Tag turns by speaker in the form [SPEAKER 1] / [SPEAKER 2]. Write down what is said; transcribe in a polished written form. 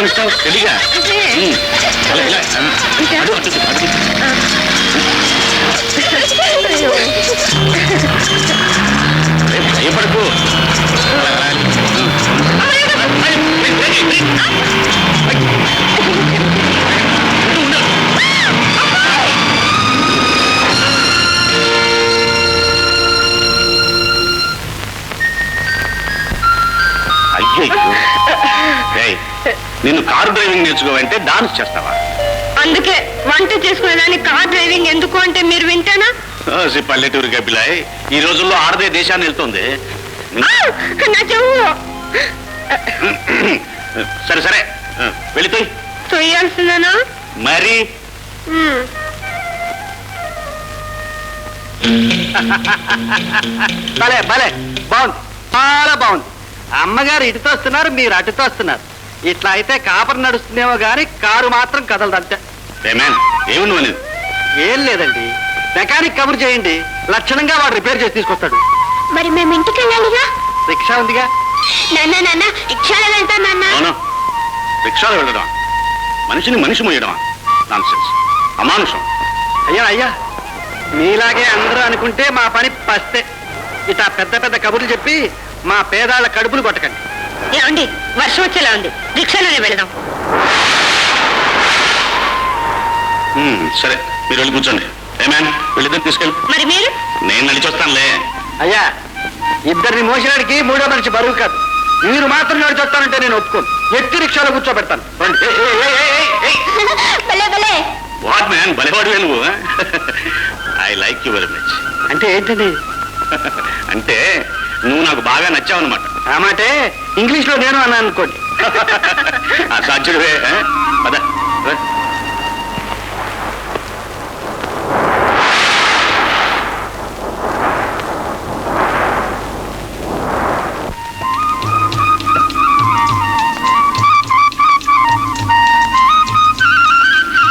[SPEAKER 1] గమనిస్తావు తెలియగా భయపడకు. నిన్ను car driving నేర్చుకోవంటే dance చేస్తావా?
[SPEAKER 2] అందుకే వంట చేసుకునేదాన్ని కార్ డ్రైవింగ్ ఎందుకు అంటే మీరు వింటానా?
[SPEAKER 1] పల్లెటూరు గబ్బిలాయ్, ఈ రోజుల్లో ఆడదే దేశాన్ని వెళ్తుంది.
[SPEAKER 2] నా చెవు.
[SPEAKER 1] సరే సరే వెళ్ళిపోయి
[SPEAKER 2] తొయ్యాల్సిందేనా
[SPEAKER 1] మరి?
[SPEAKER 3] భలే భలే బాగుంది, చాలా బాగుంది. అమ్మగారు ఇటుతో వస్తున్నారు, మీరు అటుతో వస్తున్నారు. ఇట్లా అయితే కాపర్ నడుస్తుందేమో గాని కారు మాత్రం కదలదంటే.
[SPEAKER 1] ఏమి నువ్వు?
[SPEAKER 3] ఏం లేదండి, మెకానిక్ కబుర్ చేయండి, లక్షణంగా వాడు రిపేర్ చేసి తీసుకొస్తాడు.
[SPEAKER 2] మరి మేము ఇంటికి వెళ్ళాలిగా.
[SPEAKER 3] రిక్షా ఉందిగా.
[SPEAKER 2] నాన్న నాన్న రిక్షాలో వెళ్తా నాన్న.
[SPEAKER 1] రిక్షాలో వెళ్ళడం మనిషిని మనిషి మోయడమా? నాన్సెన్స్, అమానుషం.
[SPEAKER 3] అయ్యా అయ్యా, మీలాగే అందరూ అనుకుంటే మా పని పస్తే. ఇట్లా పెద్ద పెద్ద కబుర్లు చెప్పి మా పేదాళ్ళ కడుపులు కొట్టకండి.
[SPEAKER 2] ఏమండి, వర్షం వచ్చేలా ఉంది, రిక్షాలోనే వెళదాం.
[SPEAKER 1] సరే మీరు వెళ్ళి కూర్చోండి. వెళ్ళిద్దరు తీసుకెళ్ళి.
[SPEAKER 2] మరి మీరు?
[SPEAKER 1] నేను నడిచొస్తానులే.
[SPEAKER 3] అయ్యా, ఇద్దరిని మోసినాడికి మూడో మనిషి బరువు కాదు. మీరు మాత్రం నడిచొస్తానంటే నేను ఒప్పుకోను. ఎట్టి రిక్షాలో కూర్చోబెడతాను.
[SPEAKER 1] వాట్ మ్యాన్, భలేవాడివే నువ్వు. I like you very much.
[SPEAKER 3] అంటే ఏంటండి?
[SPEAKER 1] అంటే నువ్వు నాకు బాగా నచ్చావన్నమాట.
[SPEAKER 3] ఆ మాటే ఇంగ్లీష్ లో నేను అన్నాను అనుకోండి.
[SPEAKER 1] సాధ్యుడివే. పద